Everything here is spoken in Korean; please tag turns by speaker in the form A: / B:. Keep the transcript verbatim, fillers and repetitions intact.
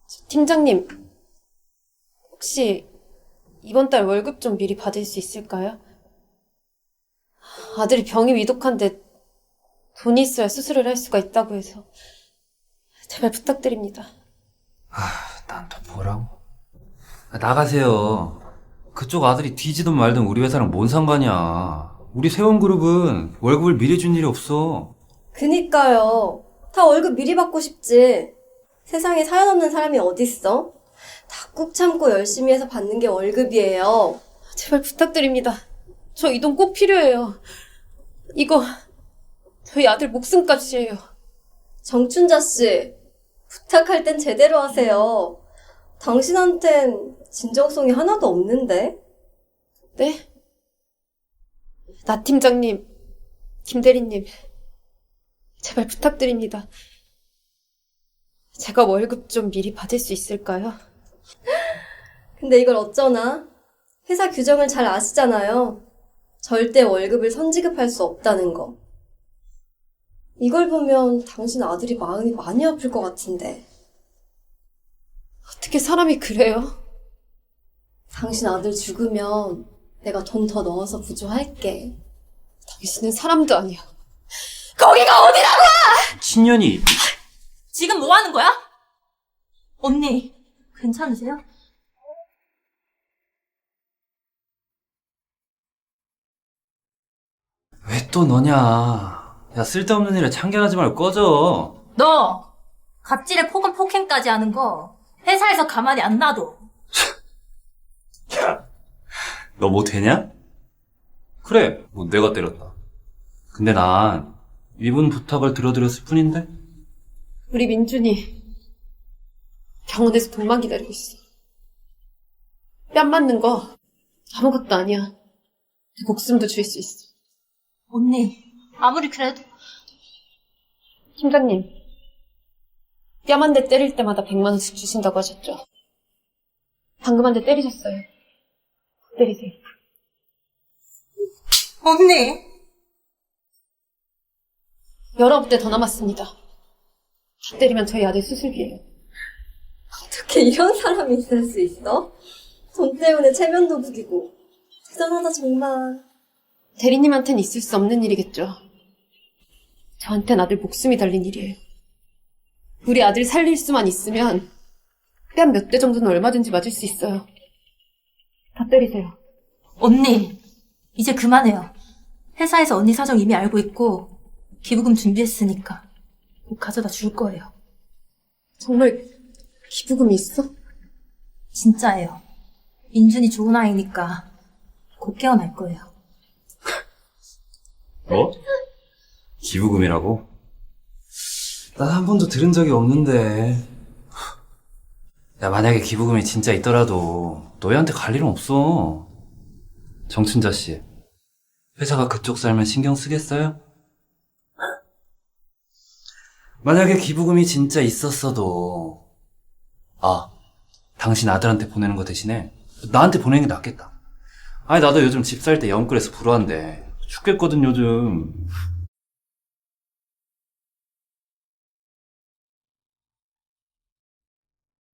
A: 팀장님, 혹시 이번 달 월급 좀 미리 받을 수 있을까요? 아들이 병이 위독한데 돈이 있어야 수술을 할 수가 있다고 해서 제발 부탁드립니다.
B: 아, 난 또 뭐라고? 아, 나가세요. 그쪽 아들이 뒤지든 말든 우리 회사랑 뭔 상관이야. 우리 세원그룹은 월급을 미리 준 일이 없어.
C: 그니까요. 다 월급 미리 받고 싶지. 세상에 사연 없는 사람이 어딨어? 다 꾹 참고 열심히 해서 받는 게 월급이에요.
A: 제발 부탁드립니다. 저 이 돈 꼭 필요해요. 이거 저희 아들 목숨값이에요.
C: 정춘자 씨, 부탁할 땐 제대로 하세요. 당신한텐 진정성이 하나도 없는데?
A: 네? 나 팀장님, 김 대리님, 제발 부탁드립니다. 제가 월급 좀 미리 받을 수 있을까요?
C: 근데 이걸 어쩌나? 회사 규정을 잘 아시잖아요. 절대 월급을 선지급할 수 없다는 거. 이걸 보면 당신 아들이 마음이 많이 아플 것 같은데.
A: 어떻게 사람이 그래요?
C: 당신 아들 죽으면 내가 돈 더 넣어서 부조할게.
A: 당신은 사람도 아니야. 거기가 어디라고!
B: 친년이
D: 지금 뭐 하는 거야? 언니, 괜찮으세요?
B: 왜 또 너냐? 야, 쓸데없는 일에 참견하지 말고 꺼져.
D: 너 갑질에 폭언 폭행까지 하는 거 회사에서 가만히 안 놔둬.
B: 너 뭐 되냐? 그래, 뭐 내가 때렸다. 근데 난 이분 부탁을 들어드렸을 뿐인데?
A: 우리 민준이 병원에서 돈만 기다리고 있어. 뺨 맞는 거 아무것도 아니야. 내 목숨도 줄 수 있어.
D: 언니, 아무리 그래도
A: 팀장님, 뺨 한 대 때릴 때마다 백만 원씩 주신다고 하셨죠? 방금 한 대 때리셨어요. 때리세요.
D: 언니.
A: 열아홉 대 더 남았습니다. 다 때리면 저희 아들 수술비예요.
C: 어떻게 이런 사람이 있을 수 있어? 돈 때문에 체면도 부리고. 대단하다 정말.
A: 대리님한텐 있을 수 없는 일이겠죠. 저한텐 아들 목숨이 달린 일이에요. 우리 아들 살릴 수만 있으면 뺨 몇 대 정도는 얼마든지 맞을 수 있어요. 다 때리세요.
D: 언니, 이제 그만해요. 회사에서 언니 사정 이미 알고 있고 기부금 준비했으니까 곧 가져다 줄 거예요.
A: 정말 기부금이 있어?
D: 진짜예요. 민준이 좋은 아이니까 곧 깨어날 거예요.
B: 뭐? 기부금이라고? 난 한 번도 들은 적이 없는데. 야, 만약에 기부금이 진짜 있더라도 너희한테 갈 일은 없어. 정춘자 씨, 회사가 그쪽 살면 신경 쓰겠어요? 만약에 기부금이 진짜 있었어도, 아, 당신 아들한테 보내는 거 대신에 나한테 보내는 게 낫겠다. 아니, 나도 요즘 집 살 때 영끌에서 불어한데 죽겠거든 요즘.